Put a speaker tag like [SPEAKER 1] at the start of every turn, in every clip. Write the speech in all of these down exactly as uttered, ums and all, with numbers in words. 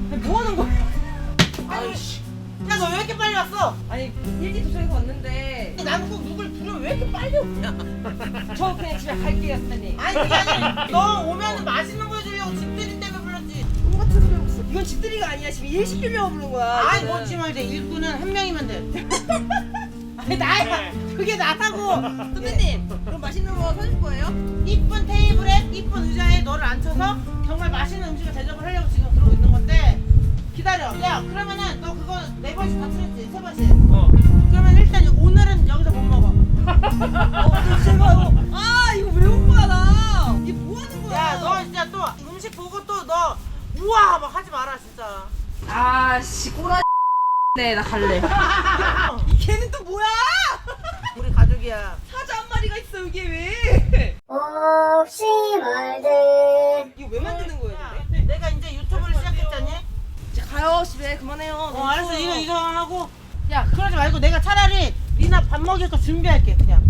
[SPEAKER 1] 아니, 뭐 하는 거야?
[SPEAKER 2] 아이씨.
[SPEAKER 1] 야, 너 왜 이렇게 빨리 왔어?
[SPEAKER 3] 아니 일찍 도착해서 왔는데
[SPEAKER 1] 나는 꼭 누굴 부르면 왜 이렇게 빨리 오냐?
[SPEAKER 3] 저 그냥 집에 갈게요 선배님.
[SPEAKER 1] 아니, 그게 아니라 너 오면 맛있는 거 해주려고 집들이 때문에 불렀지.
[SPEAKER 3] 똑같은 소리 하고 있어. 이건 집들이가 아니야. 지금 일 시키려고 부른 거야.
[SPEAKER 1] 아이,
[SPEAKER 3] 이거는.
[SPEAKER 1] 뭐지 말자. 일꾼은 한 명이면 돼. 아니, 나야. 그게 나다고.
[SPEAKER 3] 선배님 그럼 맛있는 거 사줄 거예요?
[SPEAKER 1] 이쁜 테이블에 이쁜 의자에 너를 앉혀서 정말 맛있는 음식을 대접을 하려고 지금 그러고 있는 건데 기다려. 야, 그러면은 너 그거 네 번씩 다 틀었지? 세 번씩.
[SPEAKER 2] 어.
[SPEAKER 1] 그러면 일단 오늘은 여기서 못 먹어.
[SPEAKER 3] 어 제발. 아 이거 왜 온 거야 나? 이게 뭐 하는 거야?
[SPEAKER 1] 야, 너 진짜 또 음식 보고 또 너 우와 막 하지 마라 진짜.
[SPEAKER 3] 아씨 꼬라. 네 나 갈래. 이 개는 또 뭐야?
[SPEAKER 1] 우리 가족이야.
[SPEAKER 3] 사자 한 마리가 있어 이게 왜?
[SPEAKER 4] 없이 말들
[SPEAKER 3] 이거 왜 만드는 거예요
[SPEAKER 1] 야,
[SPEAKER 3] 근데?
[SPEAKER 1] 내가 이제 유튜브를 시작했잖니?
[SPEAKER 3] 이제 가요 집에 그만해요.
[SPEAKER 1] 어, 알았어. 이거 이거 하고. 야, 그러지 말고 내가 차라리 리나 밥 먹일 거 준비할게 그냥.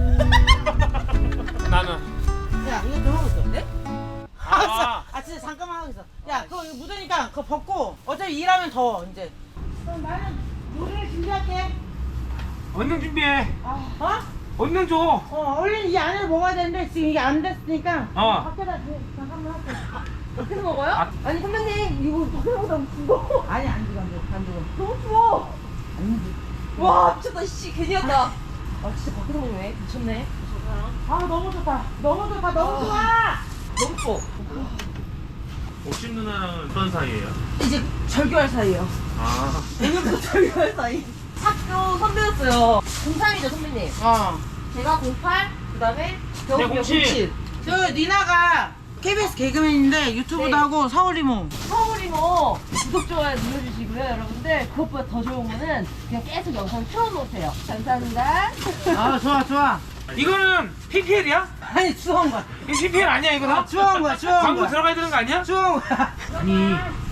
[SPEAKER 2] 나는.
[SPEAKER 1] 야, 이거 좀 하고 있어.
[SPEAKER 3] 네?
[SPEAKER 1] 아, 아 진짜 잠깐만 하고 있어. 야, 그거 이거 묻으니까 그거 벗고 어차피 일하면 더워 이제. 그럼 나는 요리를 준비할게.
[SPEAKER 2] 얼른 준비해.
[SPEAKER 1] 어?
[SPEAKER 2] 얼른 줘.
[SPEAKER 1] 어, 얼른 이 안을 먹어야 되는데 지금 이게 안 됐으니까
[SPEAKER 2] 어.
[SPEAKER 1] 밖에다 주- 잠깐만 할게.
[SPEAKER 3] 밖에서 먹어요?
[SPEAKER 2] 아.
[SPEAKER 3] 아니 선배님 이거 밖에서 먹으면 죽어.
[SPEAKER 1] 아니 안 죽어 안 죽어 안 죽어.
[SPEAKER 3] 너무 추워.
[SPEAKER 1] 안 죽어.
[SPEAKER 3] 와 미쳤다 씨 괜히 왔다. 아 진짜 밖에서 먹네 미쳤네.
[SPEAKER 1] 아 너무 좋다. 너무 좋다. 너무 좋아.
[SPEAKER 3] 너무 추워.
[SPEAKER 2] 옥심 누나랑은 어떤 사이예요?
[SPEAKER 3] 이제 절교할 사이에요.
[SPEAKER 2] 아.
[SPEAKER 3] 내년부터 절교할 사이. 학교 선배였어요. 공삼이죠 선배님.
[SPEAKER 1] 어.
[SPEAKER 3] 제가 공팔 그다음에 겨울이요
[SPEAKER 2] 공칠.
[SPEAKER 3] 공칠.
[SPEAKER 1] 저 니나가 케이비에스 개그맨인데 유튜브도
[SPEAKER 3] 네.
[SPEAKER 1] 하고 서울이모.
[SPEAKER 3] 서울이 뭐 구독 좋아요 눌러주시고요 여러분들. 그것보다 더 좋은 거는 그냥 계속 영상 틀어놓으세요. 감사합니다.
[SPEAKER 1] 아 좋아 좋아.
[SPEAKER 2] 이거는 피피엘이야?
[SPEAKER 1] 아니 추워온 거야.
[SPEAKER 2] 이거 피피엘 아니야 이거 다?
[SPEAKER 1] 추워온 거야 추워온
[SPEAKER 2] 광고
[SPEAKER 1] 거야.
[SPEAKER 2] 들어가야 되는 거 아니야?
[SPEAKER 1] 추워온 거야.
[SPEAKER 2] 아니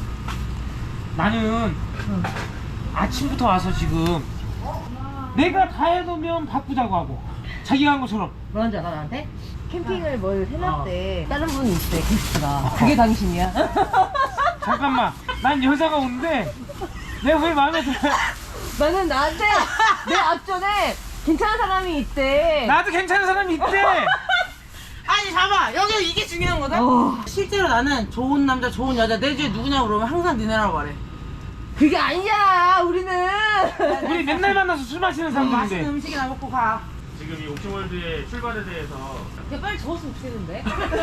[SPEAKER 2] 나는 아침부터 와서 지금 내가 다 해놓으면 바쁘다고 하고 자기가 한 것처럼
[SPEAKER 3] 뭐라는 줄 알아 나한테? 캠핑을 뭘 해놨대. 다른 분이 있대 게스트가. 그게 당신이야?
[SPEAKER 2] 잠깐만 난 여자가 오는데 내가 왜 마음에 들어.
[SPEAKER 3] 나는 나한테 내 앞전에 괜찮은 사람이 있대.
[SPEAKER 2] 나도 괜찮은 사람이 있대.
[SPEAKER 1] 아니 봐봐 여기 이게 중요한 거다.
[SPEAKER 3] 어.
[SPEAKER 1] 실제로 나는 좋은 남자 좋은 여자 내 주에 누구냐고 물으면 항상 니네라고 말해.
[SPEAKER 3] 그게 아니야 우리는.
[SPEAKER 2] 우리 맨날 만나서 술 마시는
[SPEAKER 1] 맛있는
[SPEAKER 2] 사람들인데
[SPEAKER 1] 음식이나 먹고 가.
[SPEAKER 2] 지금 이 옥션월드의 출발에 대해서
[SPEAKER 3] 야 빨리 적었으면 좋겠는데.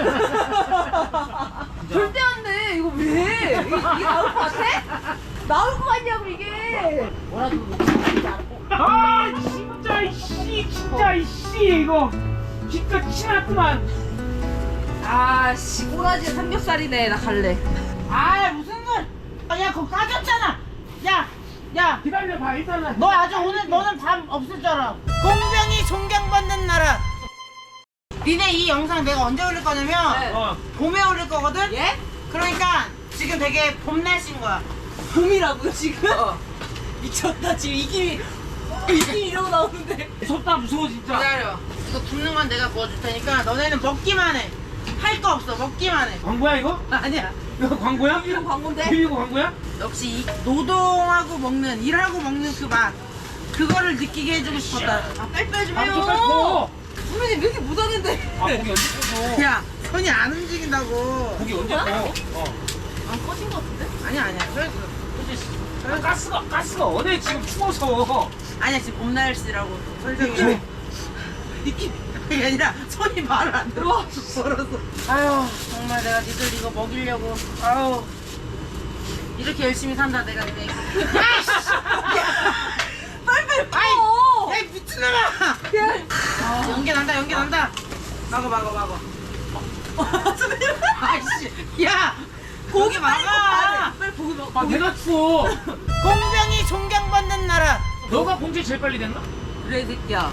[SPEAKER 3] 절대 안 돼. 이거 왜? 이게, 이게 나올 것 같아? 나올 것 같냐고 이게. 뭐라도 못하지 않고.
[SPEAKER 2] 아 진짜 이씨 진짜 이씨 이거 진짜 치났구만.
[SPEAKER 3] 아씨 꼬라지 삼겹살이네. 나 갈래.
[SPEAKER 1] 아 무슨 걸? 아, 야 그거 까졌잖아. 야, 야.
[SPEAKER 2] 기다려봐 일단은.
[SPEAKER 1] 너 아주 오늘 너는 밥 없을 줄 알아. 공병이 존경받는 나라. 니네 이 영상 내가 언제 올릴 거냐면
[SPEAKER 3] 네.
[SPEAKER 2] 어
[SPEAKER 1] 봄에 올릴 거거든.
[SPEAKER 3] 예?
[SPEAKER 1] 그러니까 지금 되게 봄 날씨인 거야.
[SPEAKER 3] 봄이라고요 지금? 미쳤다 지금 이 김이 이 김이 이러고 나오는데.
[SPEAKER 2] 무섭다 무서워 진짜.
[SPEAKER 1] 기다려. 이거 굽는 건 내가 구워줄 테니까 너네는 먹기만 해. 할 거 없어. 먹기만 해.
[SPEAKER 2] 광고야 이거?
[SPEAKER 1] 아니야.
[SPEAKER 2] 이거 광고야?
[SPEAKER 3] 이거 광고인데?
[SPEAKER 2] 비비고 광고야?
[SPEAKER 1] 역시 이 노동하고 먹는 일하고 먹는 그 맛 그거를 느끼게 해주고 싶었다.
[SPEAKER 3] 아 빨리빨리 좀
[SPEAKER 2] 아
[SPEAKER 3] 해요.
[SPEAKER 2] 젓갈 줘.
[SPEAKER 3] 선배님 왜 이렇게 못하는데?
[SPEAKER 2] 아 고기 언제 꺼져?
[SPEAKER 1] 야 손이 안 움직인다고.
[SPEAKER 2] 고기 언제 꺼? 어.
[SPEAKER 3] 안 꺼진 것 같은데?
[SPEAKER 1] 아니야 아니야. 그래서
[SPEAKER 2] 아, 가스가 가스가 어디 지금 추워서.
[SPEAKER 1] 아니야 지금 봄 날씨라고 설정이. 느낌 그게 아니라 손이 말을 안 들어. 벌어서. 아유 정말 내가 니들 이거 먹이려고. 아유 이렇게 열심히 산다 내가 니네. 아이씨.
[SPEAKER 3] 빨리빨리
[SPEAKER 1] 아이.
[SPEAKER 3] 꺼!
[SPEAKER 1] 야 미친놈아. 아, 연기 난다 연기 난다. 막어 막어 막어. 아이씨 야 고기 막아.
[SPEAKER 3] 빨리 고기 먹어.
[SPEAKER 2] 아 내가 추워.
[SPEAKER 1] 공병이 존경받는 나라.
[SPEAKER 2] 너가 봉제 제일 빨리 됐나?
[SPEAKER 3] 그래 이 새끼야.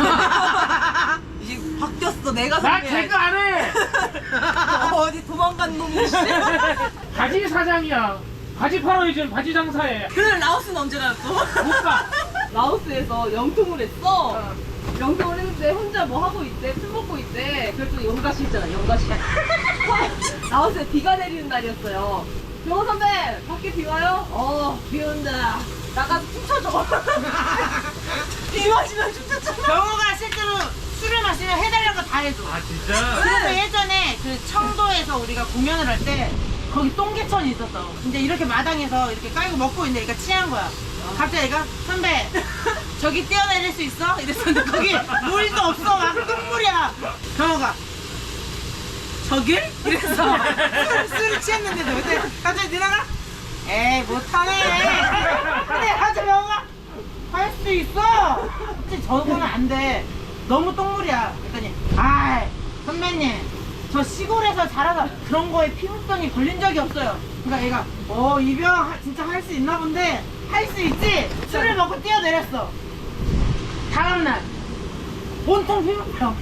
[SPEAKER 3] 이제 바뀌었어 내가
[SPEAKER 2] 나
[SPEAKER 3] 선배야.
[SPEAKER 2] 개그 안 해.
[SPEAKER 3] 어디 도망간 놈이 씨.
[SPEAKER 2] 바지 사장이야. 바지 팔아 요즘 바지 장사해.
[SPEAKER 3] 그래 라오스는 언제 가였어?
[SPEAKER 2] 못 가.
[SPEAKER 3] 라오스에서 영통을 했어. 영통을 했는데 혼자 뭐 하고 있대. 술 먹고 있대. 그랬더니 연가시 있잖아 연가시. 라오스에 비가 내리는 날이었어요. 경호 선배, 밖에 비 와요? 어, 비 온다. 나가서 춤춰줘. 비 마시면 춤춰줘.
[SPEAKER 1] 경호가 실제로 술을 마시면 해달라는 거 다 해줘.
[SPEAKER 2] 아 진짜?
[SPEAKER 1] 그래서 예전에 그 청도에서 우리가 공연을 할 때 거기 똥개천이 있었어. 근데 이렇게 마당에서 이렇게 깔고 먹고 있는데 얘가 취한 거야. 갑자기 얘가 선배 저기 뛰어내릴 수 있어? 이랬었는데 거기 물도 없어. 막 똥물이야. 경호가 저길? 이래서 술, 술을 취했는데도 근데 갑자기 누나가 에이 못하네. 근데 갑자기 경호가 할 수 있어. 근데 저거는 안 돼. 너무 똥물이야. 그랬더니 아이 선배님 저 시골에서 자라서 그런 거에 피부병이 걸린 적이 없어요. 그러니까 얘가 어 이병 진짜 할 수 있나 본데 할 수 있지? 술을 먹고 뛰어내렸어. 다음날 온통 피부병.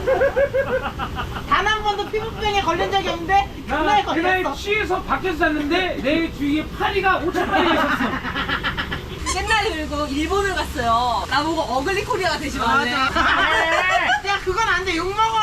[SPEAKER 1] 단 한 번도 피부병에 걸린 적이 없는데 그날
[SPEAKER 2] 나 그날
[SPEAKER 1] 걸렸어.
[SPEAKER 2] 취해서 밖에서 잤는데 내 주위에 파리가 오천 마리가 있었어.
[SPEAKER 3] 옛날에 그리고 일본을 갔어요. 나보고 어글리 코리아가 되지 말래.
[SPEAKER 1] 맞아. 야 그건 안 돼. 욕먹어.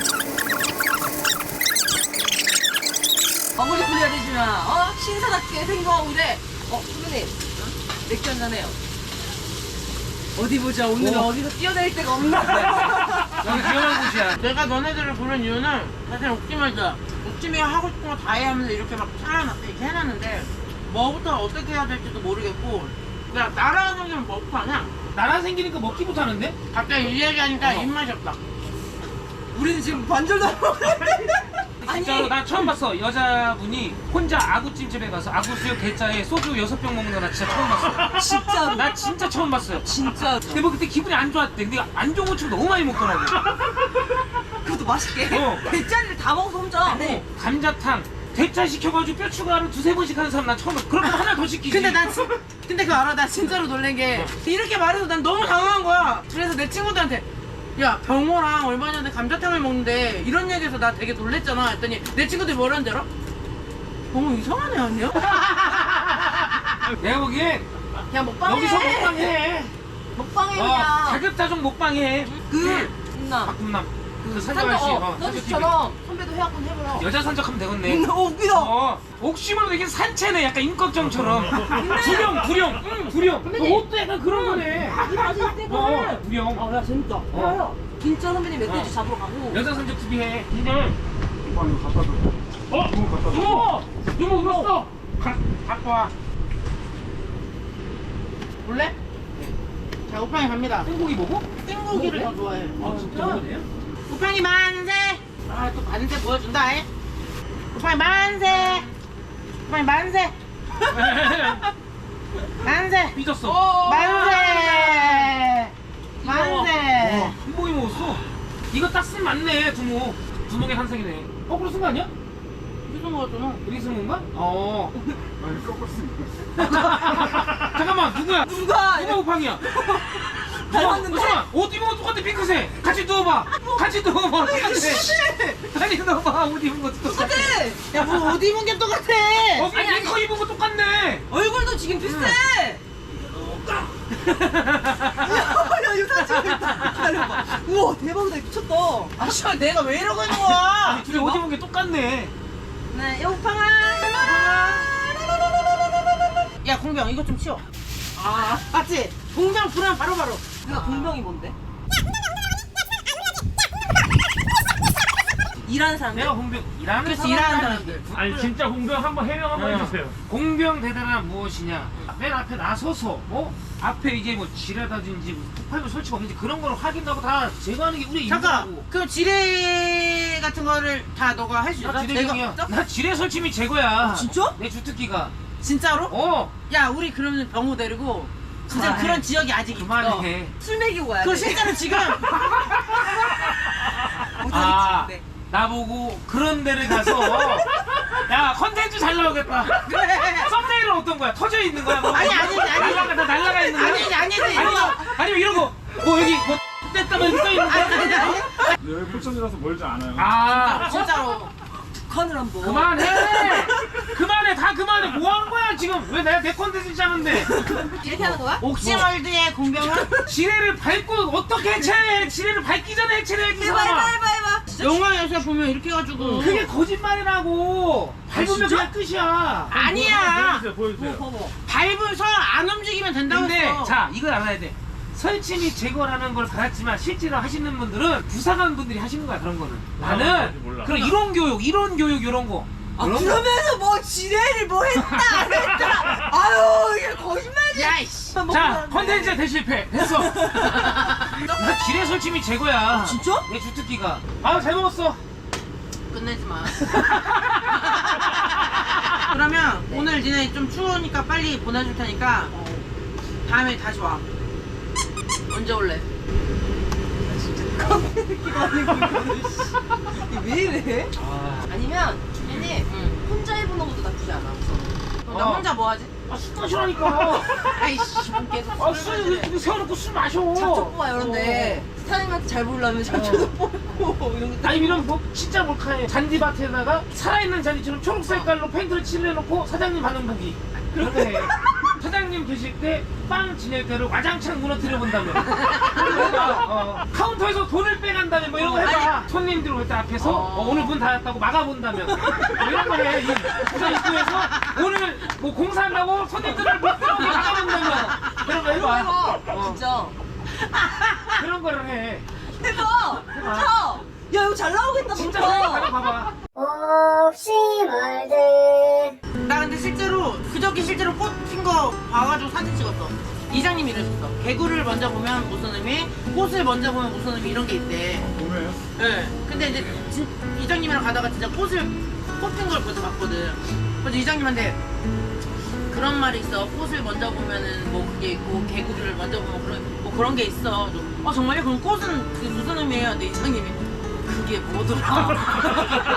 [SPEAKER 3] 어글리 코리아 되지 마. 어? 신사답게 생각하고 그래. 어, 선배님. 맥주 한잔 해요. 어디 보자. 오늘은
[SPEAKER 2] 오.
[SPEAKER 3] 어디서 뛰어내릴 데가 없나?
[SPEAKER 2] 여기 위험한 곳이야.
[SPEAKER 1] 내가 너네들을 부른 이유는 사실 옥지말이야. 옥지미가 하고 싶은 거 다 해 하면서 이렇게 막 잘라놨어. 이렇게 해놨는데 뭐부터 어떻게 해야 될지도 모르겠고 야 나라 생기면 뭐부터 하냐?
[SPEAKER 2] 나라 생기니까 먹기 못하는데?
[SPEAKER 1] 갑자기 이 얘기하니까
[SPEAKER 2] 어.
[SPEAKER 1] 입맛이 없다.
[SPEAKER 3] 우리는 지금 반절도 안 먹었는데.
[SPEAKER 2] 진짜로 나 처음 봤어. 여자분이 혼자 아구찜집에 가서 아구수육 대짜에 소주 여섯 병 먹는 거 나 진짜 처음 봤어.
[SPEAKER 3] 진짜로.
[SPEAKER 2] 나 진짜 처음 봤어요.
[SPEAKER 3] 진짜.
[SPEAKER 2] 근데 뭐 그때 기분이 안 좋았대. 근데 안 좋은 거 치고 너무 많이 먹더라고.
[SPEAKER 3] 그것도 맛있게.
[SPEAKER 2] 어.
[SPEAKER 3] 대짜리를 다 먹어서 혼자. 네.
[SPEAKER 2] 감자탕 대짜 시켜가지고 뼈 추가를 두세 번씩 하는 사람 난 처음 봤어. 그럼 하나 더 시키지.
[SPEAKER 1] 근데 나 진, 근데 그거 알아? 나 진짜로 놀란 게 이렇게 말해서 난 너무 당황한 거야. 그래서 내 친구들한테 야 병호랑 얼마 전에 감자탕을 먹는데 이런 얘기해서 나 되게 놀랬잖아 했더니 내 친구들이 뭐라는지 알아? 병호 이상한 애 아니야?
[SPEAKER 2] 내가 보기엔
[SPEAKER 3] 그냥 먹방해.
[SPEAKER 2] 여기서 먹방해.
[SPEAKER 3] 먹방해
[SPEAKER 2] 어,
[SPEAKER 3] 그냥.
[SPEAKER 2] 자급자족 먹방해.
[SPEAKER 3] 그 나.
[SPEAKER 2] 박금남 그
[SPEAKER 3] 산적
[SPEAKER 2] 산적아저씨
[SPEAKER 3] 어,
[SPEAKER 2] 어,
[SPEAKER 3] 너처럼 선배도 해갖고 해보라.
[SPEAKER 2] 여자 산적하면 되겠네.
[SPEAKER 3] 어, 웃기다.
[SPEAKER 2] 어, 옥심으로 되게 산채네. 약간 임꺽정처럼. 부령, 부령, 응, 부령.
[SPEAKER 3] 선배님.
[SPEAKER 2] 옷도 약간 그런 거네.
[SPEAKER 3] 이 맛이 있대,
[SPEAKER 2] 어, 부령.
[SPEAKER 3] 아, 야, 재밌다. 야, 야. 진짜 선배님 멧돼지
[SPEAKER 2] 어.
[SPEAKER 3] 잡으러 가고.
[SPEAKER 2] 여자 산적 티비 해. 근데,
[SPEAKER 5] 이거 갖다 줘.
[SPEAKER 2] 어?
[SPEAKER 5] 이거 갖다 줘.
[SPEAKER 2] 이모! 이모 울었어. 가, 갖고 와.
[SPEAKER 1] 볼래? 자 우팡이 갑니다.
[SPEAKER 2] 땡고기 먹어?
[SPEAKER 1] 땡고기를 더 좋아해.
[SPEAKER 2] 아, 진짜 먹어요?
[SPEAKER 1] 우팡이 만세! 아 또 만세 보여준다 에? 우팡이 만세! 우팡이 만세! 만세!
[SPEAKER 2] 삐졌어.
[SPEAKER 1] 만세! 만세!
[SPEAKER 2] 한복이 먹었어. 이거 딱 쓰면 맞네, 두목. 두목의 한상이네. 거꾸로 쓴 거 아니야?
[SPEAKER 1] 무슨 거였잖아.
[SPEAKER 2] 이렇게 쓴 건가? 어.
[SPEAKER 5] 아니, 꺾었습니다.
[SPEAKER 2] 잠깐만, 누구야?
[SPEAKER 3] 누가?
[SPEAKER 2] 누가 우팡이야?
[SPEAKER 3] 닮았는데?
[SPEAKER 2] 잠깐만, 옷 입은 거 똑같아, 핑크색. 같이 누워봐. 같이 누워봐. 똑같아. 아니, 누워봐. 옷 입은 거 똑같아.
[SPEAKER 3] 똑같아.
[SPEAKER 1] 야뭐 옷 입은 게 똑같아!
[SPEAKER 2] 어,
[SPEAKER 3] 아니, 아니.
[SPEAKER 2] 링커 입은 거 똑같네.
[SPEAKER 3] 얼굴도 지금 비슷해. 야, 이거 사진 기다려봐. 우와, 대박이다. 미쳤다.
[SPEAKER 1] 아 씨발 내가 왜 이러고 있는 거야?
[SPEAKER 2] 둘이 옷 입은 게 똑같네.
[SPEAKER 3] 네, 여우팡아.
[SPEAKER 1] 야 공병 이거 좀 치워. 아 맞지? 공병 부르면 바로바로.
[SPEAKER 3] 우리가 공병이 뭔데? 일하는 사람들?
[SPEAKER 2] 내가 공병 일하는
[SPEAKER 1] 그렇지 일하는 사람들.
[SPEAKER 2] 아니 진짜 공병 한번 해명 한번 해주세요. 공병 대단한 무엇이냐? 맨 앞에 나서서 뭐 앞에 이제 뭐 지뢰다든지 폭발물 설치가 없는지 그런 거를 확인하고 다 제거하는 게 우리
[SPEAKER 1] 잠깐
[SPEAKER 2] 임무라고.
[SPEAKER 1] 그 지뢰 같은 거를 다 너가 할 수 있어?
[SPEAKER 2] 나 지뢰형이야.
[SPEAKER 1] 내가-
[SPEAKER 2] 나 지뢰 설치 및 제거야.
[SPEAKER 3] 진짜?
[SPEAKER 2] 내 주특기가.
[SPEAKER 1] 진짜로?
[SPEAKER 2] 어.
[SPEAKER 1] 야 우리 그러면 병호 데리고 진짜
[SPEAKER 2] 그만해.
[SPEAKER 1] 그런 지역이 아직 있어.
[SPEAKER 2] 그만해.
[SPEAKER 3] 술 먹이고 가야 돼.
[SPEAKER 1] 그거 실제로 지금
[SPEAKER 2] 아,
[SPEAKER 3] 못하겠지,
[SPEAKER 2] 나보고 그런 데를 가서 야 컨텐츠 잘 나오겠다.
[SPEAKER 1] 그래.
[SPEAKER 2] 썸네일은 어떤 거야? 터져 있는 거야? 뭐?
[SPEAKER 1] 아니, 아니지, 아니지.
[SPEAKER 2] 날라가 다 날라가 있는 거야?
[SPEAKER 1] 아니지 아니지
[SPEAKER 2] 아니면
[SPEAKER 1] 이거.
[SPEAKER 2] 아니면 이런 거 뭐 여기 뭐 뗐다면 써 있는
[SPEAKER 1] 아니
[SPEAKER 2] 거야?
[SPEAKER 1] 아니 아니.
[SPEAKER 5] 여기 포천이라서 멀지 않아요.
[SPEAKER 2] 아
[SPEAKER 1] 진짜로.
[SPEAKER 3] 북한을 한번.
[SPEAKER 2] 그만해 그만해 다 그만해 뭐 하는 거야 지금 왜 내가 내 컨텐츠 짜는데
[SPEAKER 3] 이렇게 하는 거야?
[SPEAKER 1] 옥시월드의 공병은
[SPEAKER 2] 지뢰를 밟고 어떻게 해체해 지뢰를 밟기 전에 해체를 해야지
[SPEAKER 3] 해봐, 해봐,
[SPEAKER 2] 사람아
[SPEAKER 3] 해봐, 해봐. 진짜
[SPEAKER 1] 영화에서 보면 이렇게 해가지고
[SPEAKER 2] 그게 거짓말이라고. 밟으면 그냥 끝이야.
[SPEAKER 1] 아니야.
[SPEAKER 5] 보여주세요, 보여주세요.
[SPEAKER 3] 봐봐.
[SPEAKER 1] 밟아서 안 움직이면 된다고
[SPEAKER 2] 근데
[SPEAKER 1] 했어.
[SPEAKER 2] 자 이걸 알아야 돼. 설치 및 제거라는 걸 받았지만 실제로 하시는 분들은 부사관 분들이 하시는 거야 그런 거는. 나는
[SPEAKER 5] 뭔지 몰라.
[SPEAKER 2] 그런 이론 교육, 이론 교육 이런 거.
[SPEAKER 3] 아
[SPEAKER 2] 이런 거.
[SPEAKER 3] 그러면서 뭐 지뢰를 뭐 했다 안 했다. 아유 이게 거짓말이야.
[SPEAKER 1] 야이씨.
[SPEAKER 2] 자 컨텐츠 대실패 됐어. 나 지뢰 설치 및 제거야.
[SPEAKER 3] 진짜?
[SPEAKER 2] 내 주특기가. 아 잘 먹었어.
[SPEAKER 1] 끝내지 마. 그러면 오늘 니네 좀 추우니까 빨리 보내줄 테니까 다음에 다시 와. 언제 올래?
[SPEAKER 3] 왜 이래?
[SPEAKER 2] 아,
[SPEAKER 3] 아니면 주민이
[SPEAKER 1] 응.
[SPEAKER 3] 혼자 해보는 것도 나쁘지 않아.
[SPEAKER 1] 그럼 나
[SPEAKER 2] 어.
[SPEAKER 1] 혼자 뭐 하지?
[SPEAKER 2] 아, 술 마시라니까.
[SPEAKER 1] 아이씨, 뭐 계속
[SPEAKER 2] 아,
[SPEAKER 1] 술을
[SPEAKER 2] 술
[SPEAKER 1] 마시네.
[SPEAKER 2] 이렇게 세워놓고 술 마셔.
[SPEAKER 3] 잡초 뽑아 이런데 스타님한테 잘 보려면 잡초도 뽑고 이런 거.
[SPEAKER 2] 아니 이런 뭐 진짜 몰카해. 잔디밭에다가 살아있는 잔디처럼 초록 색깔로 페인트를 칠해놓고 사장님 하는 보기. 그렇게 해. 사장님 계실 때 빵 지낼 때를 와장창 무너뜨려 본다면. 어, 카운터에서 돈을 빼간다면 뭐 이런 거 해봐. 손님들 올 때 앞에서 어, 오늘 문 닫았다고 막아본다면. 뭐 이런 거 해. 이 부산 입구에서 오늘 뭐 공사한다고 손님들을 못 들어오게 막아본다면. 그런 거 해봐.
[SPEAKER 3] 해봐.
[SPEAKER 2] 어,
[SPEAKER 3] 진짜.
[SPEAKER 2] 그런 거를 해.
[SPEAKER 3] 해봐.
[SPEAKER 2] 해봐.
[SPEAKER 3] 자. 야 이거 잘 나오겠다
[SPEAKER 2] 진짜
[SPEAKER 3] 진짜.
[SPEAKER 2] 생각하고 봐봐.
[SPEAKER 4] 없이 말들
[SPEAKER 1] 나 근데 실제로 그저께 실제로 꽃 핀 거 봐가지고 사진 찍었어. 이장님이 이러셨어. 개구를 먼저 보면 무슨 의미, 꽃을 먼저 보면 무슨 의미 이런 게 있대.
[SPEAKER 5] 보면
[SPEAKER 1] 예. 근데 이제 진, 이장님이랑 가다가 진짜 꽃을 꽃 핀 걸 먼저 봤거든. 그래서 이장님한테 그런 말이 있어. 꽃을 먼저 보면은 뭐 그게 있고 개구리를 먼저 보면 그런 뭐 그런 게 있어. 어 정말요? 그럼 꽃은 그게 무슨 의미예요? 근데 이장님이 그게 뭐더라?